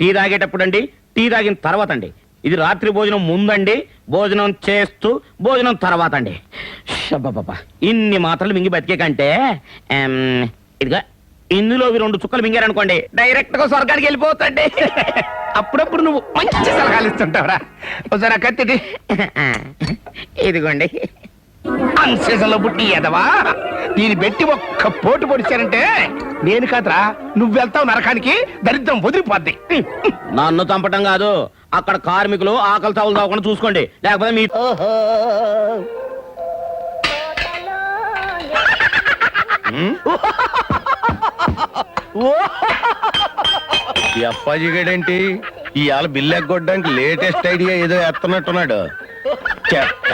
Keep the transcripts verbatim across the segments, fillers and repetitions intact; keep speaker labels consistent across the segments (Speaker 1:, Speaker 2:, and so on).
Speaker 1: Tea తాగేటప్పుడు అండి, tea తాగిన తర్వాత అండి. ఇది రాత్రి భోజనం ముందండి, భోజనం చేస్తూ భోజనం తర్వాత అండి. షబ్బబ్బబ్బా, ఇన్ని మాత్రలు మింగి బతికే కంటే ఆమ్, ఇదిగా ఇందులో ఇవి రెండు చుక్కలు మింగారనుకోండి డైరెక్ట్ గా స్వర్గానికి వెళ్ళిపోతండి.
Speaker 2: అప్పుడప్పుడు నువ్వు మంచి సలహాలు ఇస్తుంటావురా. ఒకసారి ఆ కత్తిటి.
Speaker 1: ఇదిగోండి.
Speaker 2: అన్సీజన్లో పుట్టి ఎదవా, దీన్ని పెట్టి ఒక్క పోటు పొడిచారంటే నేను కాదురా, నువ్వు వెళ్తావు నరకానికి, దరిద్రం వదిలిపోద్ది.
Speaker 1: నన్ను చంపటం కాదు, అక్కడ కార్మికులు ఆకలి చావులు తాగకుండా చూసుకోండి, లేకపోతే మీ
Speaker 3: ఈ అప్పాజీ గడేంటి ఇవాళ బిల్లు ఎగ్గొట్టడానికి లేటెస్ట్ ఐడియా ఏదో ఎత్తనట్టున్నాడు. చెత్త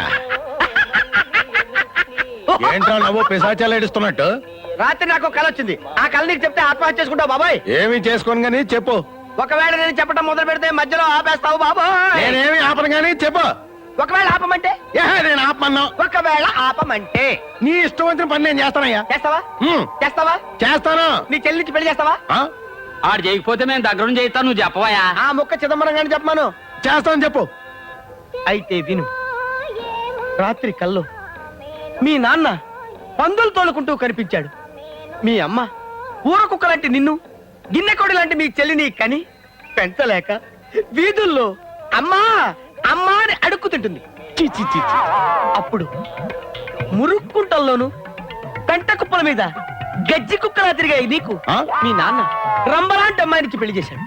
Speaker 3: ఏంట్రా నవ్వు పిశాచాలు ఏడుస్తున్నట్టు?
Speaker 4: రాత్రి నాకు కళ వచ్చింది. ఆ కళ నీకు చెప్తే ఆత్మహత్య చేసుకుంటావు బాబాయ్.
Speaker 3: ఏమి చేసుకోను గానీ చెప్పు.
Speaker 4: ఒకవేళ నేను చెప్పడం మొదలు పెడితే మధ్యలో ఆపేస్తావు బాబాయ్.
Speaker 3: నేనేమి ఆపను గానీ చెప్పు.
Speaker 4: ఒకవేళ ఆపమంటే?
Speaker 3: ఏహే, నేను ఆపమన్నా.
Speaker 4: ఒకవేళ ఆపమంటే
Speaker 3: నీ ఇష్టం వచ్చిన పని నేను చేస్తానయ్యా.
Speaker 4: చేస్తావా?
Speaker 3: హ్మ్.
Speaker 4: చేస్తావా?
Speaker 3: చేస్తాను.
Speaker 4: నీ చెల్లి నుంచి పెళ్లి చేస్తావా?
Speaker 3: ఆ?
Speaker 1: ఆడు చేయకపోతే మేము దగ్గర చేయిస్తాను, నువ్వు చెప్పవయా.
Speaker 4: ఆ ముక్క చిదంబరం గాని చెప్పమాను.
Speaker 3: చేస్తాను చెప్పు.
Speaker 4: అయితే విను. రాత్రి కల్లో మీ నాన్న పందులు తోలుకుంటూ కనిపించాడు. మీ అమ్మ ఊర కుక్క లాంటి నిన్ను, గిన్నెకోడి లాంటి మీ చెల్లిని కని పెంచలేక వీధుల్లో అమ్మా అమ్మా అని అడుక్కుతుంటుంది. చి చి చి చి. అప్పుడు మురుక్కుంటల్లోను పెంట కుప్పల మీద గజ్జి కుక్కలా తిరిగాయి నీకు
Speaker 3: ఆ?
Speaker 4: మీ నాన్న రంబలాంటి అమ్మాయినికి పెళ్లి చేశాడు.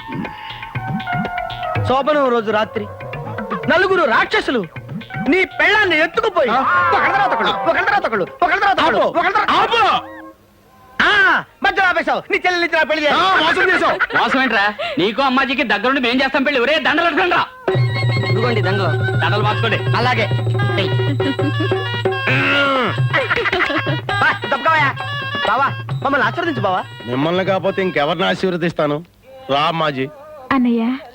Speaker 4: శోభనం రోజు రాత్రి నలుగురు రాక్షసులు నీ పెళ్ళాన్ని ఎత్తుకుపోయి ఒకళ్ళ తర్వాత ఒకళ్ళు, ఒకళ్ళ తర్వాత ఒకళ్ళు, ఒకళ్ళ తర్వాత ఒకళ్ళు, ఒకళ్ళ తర్వాత
Speaker 3: ఆపు.
Speaker 4: ఆ, మధ్యలో ఆపేశావు. నీ చెల్లెలు ఇచ్చిన పెళ్లి
Speaker 3: ఆ, మోసం చేసావు.
Speaker 1: మోసం ఏంట్రా? నీకు అమ్మాజీకి దగ్గరుండి మేం చేస్తాం పెళ్లి. ఒరే దండలు పెట్టుకోండి రా.
Speaker 4: ఇదిగోండి దండలు.
Speaker 1: దండలు మార్చుకోండి.
Speaker 4: అలాగే తప్పవయా బావా, మమ్మల్ని ఆశీర్వదించు బావా.
Speaker 3: మిమ్మల్ని కాకపోతే ఇంకెవరిని ఆశీర్వదిస్తాను? రా అమ్మాజీ.
Speaker 5: అన్నయ్య